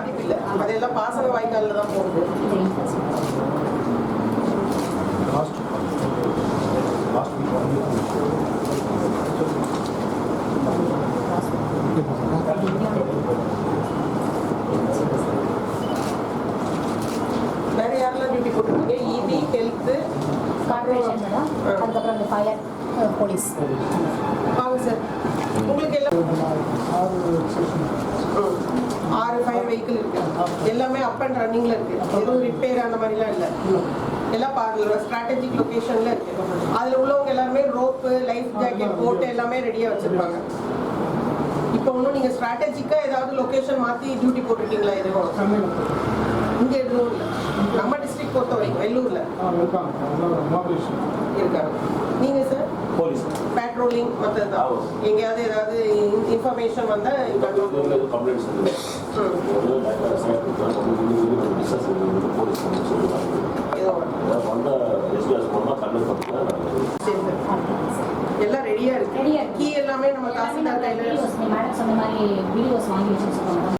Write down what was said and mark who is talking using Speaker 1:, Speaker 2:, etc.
Speaker 1: பாதிப்பு இல்லை. அதெல்லாம் பாசன வாய்க்காலில் தான் போகுது. வேற யாரெல்லாம் டியூட்டி போட்டுருக்கீங்க? இபி, ஹெல்த்து,
Speaker 2: கார்பரேஷன் மேடம், அதுக்கப்புறம் இந்த ஃபயர், போலீஸ்.
Speaker 1: வாங்க சார். உங்களுக்கு எல்லாம் 6 ஃபயர் வெஹிக்கிள் இருக்கு. எல்லாமே அப் அண்ட் ரன்னிங்ல இருக்கு. எதுவும் ரிப்பேர் அந்த மாதிரிலாம் இல்லை. எல்லாம் ஸ்ட்ராட்டஜிக் லொகேஷன்ல இருக்கு. அதுல உள்ளவங்க எல்லாருமே ரோப்பு, லைஃப் ஜாக்கெட் போட்டு எல்லாமே ரெடியா வச்சிருப்பாங்க. இப்போ ஒன்றும் நீங்க ஸ்ட்ராட்டஜிக்கா ஏதாவது லொகேஷன் மாத்தி டியூட்டி போட்டிருக்கீங்களா? எதுவும் இங்க எதுவும் இல்லை. நம்ம டிஸ்ட்ரிக்ட் பொறுத்த வரைக்கும் வெள்ளூர்ல இருக்காங்க. நீங்க சார்
Speaker 3: போலீஸ்
Speaker 1: பேட்ரோலிங் மற்றது எங்கேயாவது ஏதாவது இன்ஃபர்மேஷன் வந்தா
Speaker 3: கம்ப்ளைண்ட்ஸ்
Speaker 1: எல்லாம் ரெடியா இருக்கு. கீ எல்லாமே நம்ம தாசில்தார் கையில
Speaker 2: மேடம் சொன்ன மாதிரி வீடியோஸ் வாங்கி வச்சுருக்கோம்.